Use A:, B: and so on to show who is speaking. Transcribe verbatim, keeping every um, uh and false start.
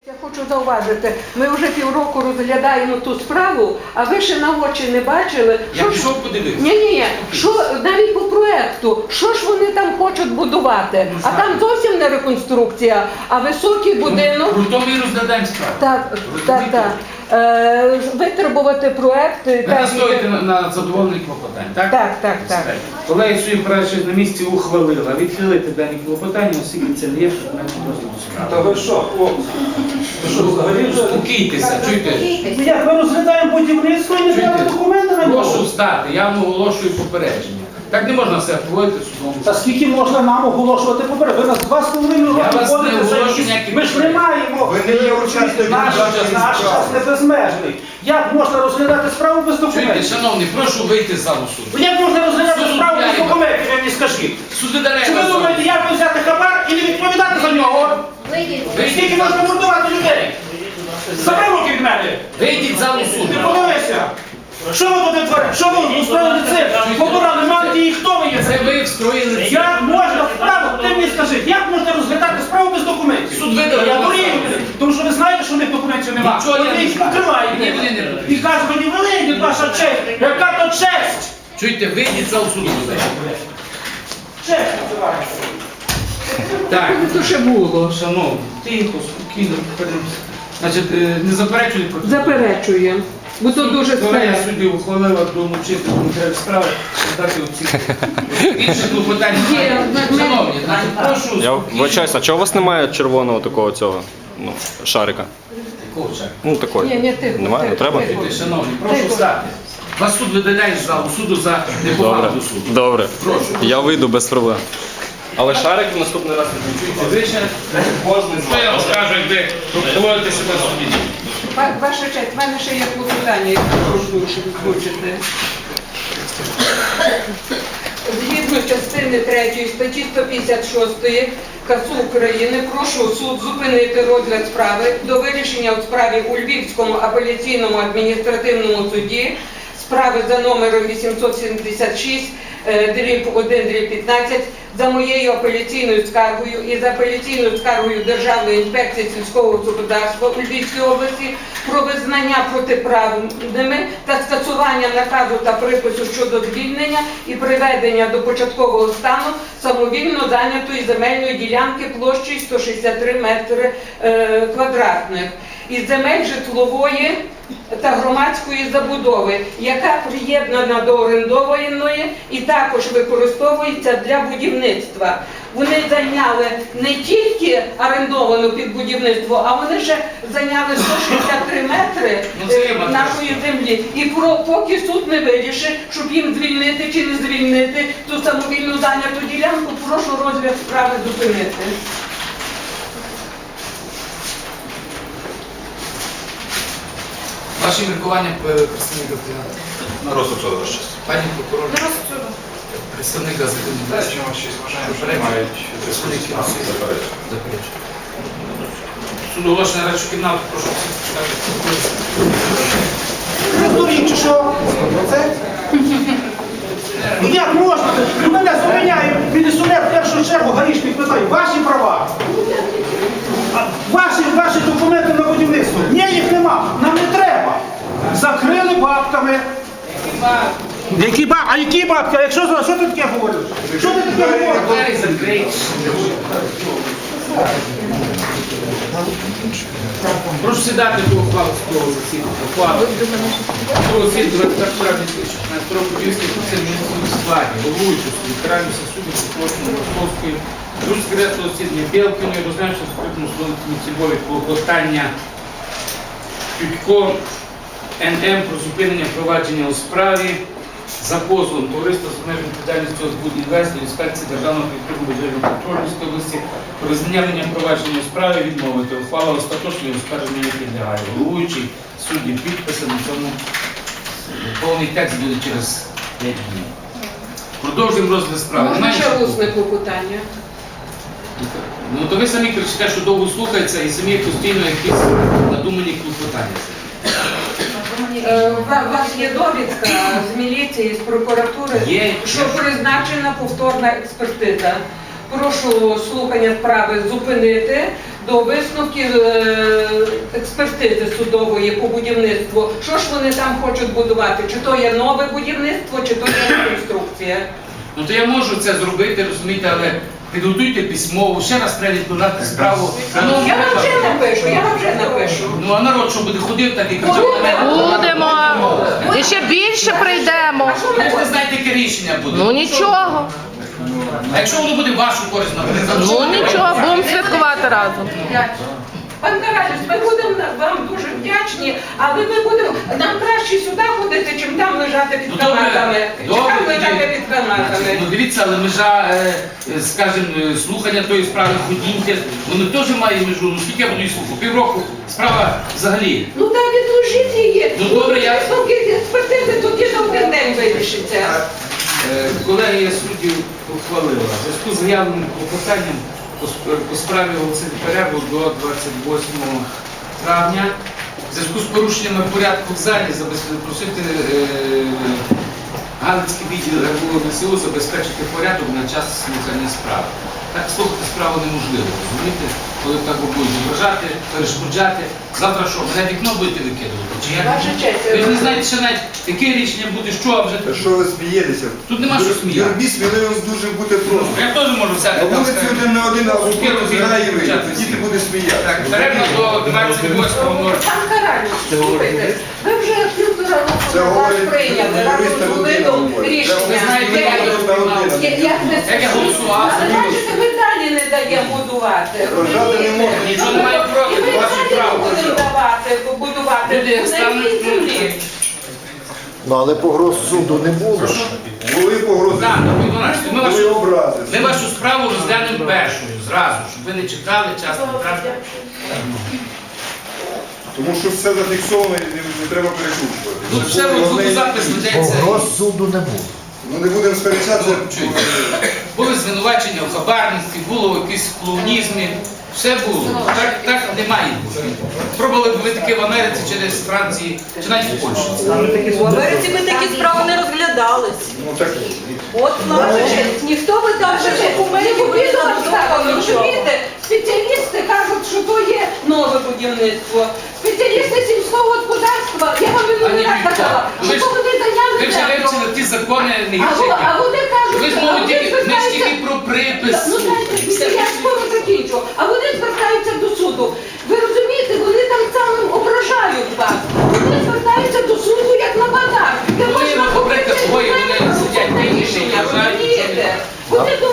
A: Я хочу зауважити, ми вже півроку розглядаємо ту справу, а ви ще на очі не бачили.
B: Я пішов подивитися.
A: Ні-ні, що навіть по проекту, що ж вони там хочуть будувати? А там зовсім не реконструкція, а високий будинок.
B: Про то ми розглядаємо справу.
A: Так, так, так. Е, витребувати проект.
B: Ви настоїте на, на задоволених клопотань, так?
A: Так, так, так.
B: Колеги своїм правильно на місці ухвалила відхилити дані клопотання, оскільки це не є предметом розгляду справи.
C: Та ви що, хлопці? Ви що, взагалі вже?
B: Спокійтеся, чуйте.
C: Як ми розглядаємо будівництво і не треба
B: Чуйте.
C: документи на
B: Прошу
C: нього?
B: встати, я вам оголошую попередження. Так не можна все проводити в судовому.
C: Та скільки можна нам оголошувати поперед? Ви нас два з половиною
B: Я
C: роки
B: вас не
C: ходите за
B: оголошую
C: якісь-
B: ніякі
C: Ми ж не
B: попередження.
C: маємо.
D: Ви не є учасником
C: Наш
D: нашої
C: наш
D: справи.
C: час не безмежний. Як можна розглядати справу без
B: Чуйте,
C: документів?
B: шановні, прошу вийти з залу суду.
C: Як можна розглядати
B: Суд
C: справу без
B: управляє.
C: документів, ви мені скажіть?
B: Суди даремно.
C: Чи ви думаєте, як ви взяти хабар і не відповідати за нього? Скільки можна мордувати людей? Забери руки від мене!
B: Вийдіть з залу суду.
C: Ти подивися! Що ви тут творите? Що ви устроїли цирк? Побирали мантії і хто ви є?
B: Це ви встроїли цирк.
C: Як можна справу, ти мені скажи, як можна розглядати справу без документів?
B: Суд видав.
C: Я дурію, тому що ви знаєте, що в них документів немає.
B: Нічого я
C: Вони
B: не
C: їх
B: знаю.
C: покривають.
B: Ні, вони не роблять.
C: І кажуть, мені великі ваша честь. Яка то честь?
B: Чуйте, вийдіть з залу суду.
C: Честь називається.
B: Так.
A: Це ще було.
B: Шановні, тихо, спокійно, поперемося. Значить, е, не заперечують проти.
A: Заперечуємо. Бо то дуже
B: Колегія
A: складно.
B: судді ухвалила долучити до матеріалів справи, дати оцінку. Більше клопотань немає.
A: Є, ми-
B: Шановні, значить, прошу
E: Я вибачаюсь, а чого у вас немає червоного такого цього ну, шарика?
B: Якого чаю?
E: Ну такої.
A: Ні, ні, тихо,
E: Немає, не
A: тихо,
E: треба?
A: тихо.
B: Шановні, прошу
A: Тихо.
B: встати. Вас суд видаляє з залу суду за неповагу
E: Добре,
B: до суду.
E: добре.
B: Прошу.
E: Я вийду без проблем. Але шарик в наступний раз не чуєте.
B: Ви ще кожен, що я вам скажу, як ви поводите себе в суді.
A: Ва- Ваша честь, в мене ще є клопотання, яке прошу озвучити. Згідно частини третьої статті сто п'ятдесят шість КАСУ України прошу суд зупинити розгляд справи до вирішення у справі у Львівському апеляційному адміністративному суді справи за номером вісімсот сімдесят шість дріб один дріб п'ятнадцять за моєю апеляційною скаргою і за апеляційною скаргою Державної інспекції сільського господарства у Львівській області про визнання протиправними та скасування наказу та припису щодо звільнення і приведення до початкового стану самовільно зайнятої земельної ділянки площею сто шістдесят три метри е, квадратних із земель житлової та громадської забудови, яка приєднана до орендованої і також використовується для будівництва. Вони зайняли не тільки орендовану під будівництво, а вони ще зайняли сто шістдесят три метри е, нашої землі. І про, поки суд не вирішить, щоб їм звільнити чи не звільнити ту самовільну зайняту ділянку, прошу розгляд справи зупинити.
B: Ваші міркування, представника
D: На розсуд суду, ваш честь.
B: пані прокурор, представника законодавчого. Представник заперечує. Суд оголошення радшу кімнату, прошу
C: Ви здуріть чи що? Ну як можна? Ну мене зупиняє міліціонер в першу чергу гаїшник питає, ваші права? А Ваші, ваші документи на будівництво? Ні, їх нема, нам не треба. Закрили бабками. Які бабки? А які бабки? А якщо що ти таке говориш? Що ти таке говориш?
B: Двері закриті. Прошу сідати до ухвалу судового засідання. Ухвалу. Судового засідання двадцять першого шістнадцятого року Львівської процесуальної складі, головуючого суду, Каральниця суду, Сокольської, Московської, дуже секретного засідання Білкіної, розглянувши в закритому судовому цільбові клопотання Тютько ен ем про зупинення провадження у справі за позовом товариства з обмеженою відповідальністю «Озбудінвест» до інспекції Державного підтримку контролю Львівської області про визнання провадження у справі відмовити. Ухвала остаточної оскарження не підлягає. Головуючий судді підписи на цьому повний текст буде через п'ять днів. Продовжуємо розгляд справи.
A: Можна
B: Немає
A: ще
B: нічого?
A: усне клопотання?
B: Ну то ви самі кричите, що довго слухається і самі постійно якісь надумані клопотання.
A: Е, У вас є довідка з міліції, з прокуратури,
B: Є.
A: що призначена повторна експертиза. Прошу слухання справи зупинити до висновків е, експертизи судової по будівництву. Що ж вони там хочуть будувати? Чи то є нове будівництво, чи то є реконструкція?
B: Ну то я можу це зробити, розумієте, але підготуйте письмово, ще раз треба відкладати справу. Ну,
A: Я вам вже напишу, я вам вже напишу.
B: Ну а народ, що буде ходив, так і кричав на мене.
F: Будемо. І ще більше прийдемо.
B: Ви ж не знаєте, яке рішення буде.
F: Ну нічого.
B: А якщо воно буде в вашу користь, наприклад,
F: Ну
B: що
F: нічого, будемо святкувати разом.
A: Пан Каралюс, ми будемо вам дуже вдячні, але ми будемо, нам краще сюди ходити, чим там лежати під
B: Ну, добре,
A: канатами. Чи
B: добре,
A: там лежати
B: тоді.
A: під канатами.
B: Ну дивіться, але межа, е, е, скажімо, е, слухання тої справи ходіньте, воно теж має межу. Ну скільки я буду її слухати? Півроку справа взагалі.
A: Ну так, відложіть її.
B: Ну, добре, я-
A: Висновки експертизи тоді за один день вирішиться.
B: Е, Колегія суддів ухвалила. В зв'язку з заявленим клопотанням по сп- по справі оголосити перерву до двадцять восьмого травня. В зв'язку з порушеннями порядку в залі запросити Галицький відділ РВО ДСУ забезпечити порядок на час слухання справи. Так слухати справу неможливо, розумієте? Коли так ви будете вражати, перешкоджати. Завтра що, мене вікно будете викидувати? Чи як?
A: Ваша честь,
B: Ви ж не знаєте, що навіть яке рішення буде, що а вже
D: Та що ви смієтеся?
B: Тут нема що сміяти.
D: Юрбі сміливим дуже бути просто.
B: Я теж можу взяти.
D: А
B: там,
D: вулиці
B: скажімо,
D: один на один, а в
B: сукеру
D: руку
B: з'їхати,
D: зіграє і вийде.
B: почати
D: Тоді ти
B: всі.
D: будеш сміятися.
B: Так, перервно до двадцять восьмого ночі.
A: Пан Каралюс, слухайте, ви вже півтора
D: Це
A: року вас
D: говорить
A: прийняли, разом
D: юриста
A: з
D: людина
A: Володом
D: говорить.
A: рішення.
B: Ви знаєте,
A: Я-
B: як я розприймав.
A: Я- Як ви
B: Як я голосував,
A: Але бачите, ми далі не даємо будувати.
D: Вважати не
A: розумієте?
D: можна.
B: Нічого немає проти,
A: І ми
B: ваші
A: далі
B: право.
A: будемо давати, побудувати
B: Люди, як
A: на
B: стануть,
A: якій землі.
G: Ну, але погроз суду не було.
D: Були погрози,
B: Так, до дванадцятого. Ми
D: були
B: вашу,
D: образи.
B: ми вашу справу розглянемо першою, зразу, щоб ви не чекали, час не втратили.
D: Тому що все зафіксовано і не, не треба перекручувати.
B: Тут все в звукозапис ведеться.
G: Погроз суду не було.
D: Ну не будемо сперечатися.
B: Чуєте? Були звинувачення в хабарництві, було в якійсь клоунізмі. Все було. Так, так не має бути. Пробували б ви таке в Америці через Франції, чи навіть в Польщі.
H: В Америці ми такі справи не розглядались.
D: Ну так.
H: От наша честь. Ніхто би там вже документів
A: Ми
H: не
A: відомо ставили,
H: написав нічого.
A: розумієте? Спеціалісти кажуть, що то є нове будівництво. Спеціалісти сільського господарства, я вам
B: А
A: минулий
B: не
A: раз
B: ніхто.
A: казала,
B: Ви
A: що
B: ж-
A: то вони зайняли
B: Ви вже
A: землю.
B: вивчили ті закони не
A: А
B: гірше.
A: во-
B: як
A: а
B: я.
A: вони кажуть,
B: Ви ж
A: а
B: мовите,
A: вони
B: ми ж
A: звертаються-
B: тільки про припис.
A: Ну, знаєте, я скоро закінчу. А вони звертаються до суду. Ви розумієте, вони там самим ображають вас. Вони звертаються до суду як на базар. Де
B: Вони,
A: можна
B: наприклад,
A: купити
B: двоє, вони
A: землю,
B: сидять,
A: це
B: вийшли,
A: рішення,
B: вважають,
A: розумієте?
B: що
A: Вони до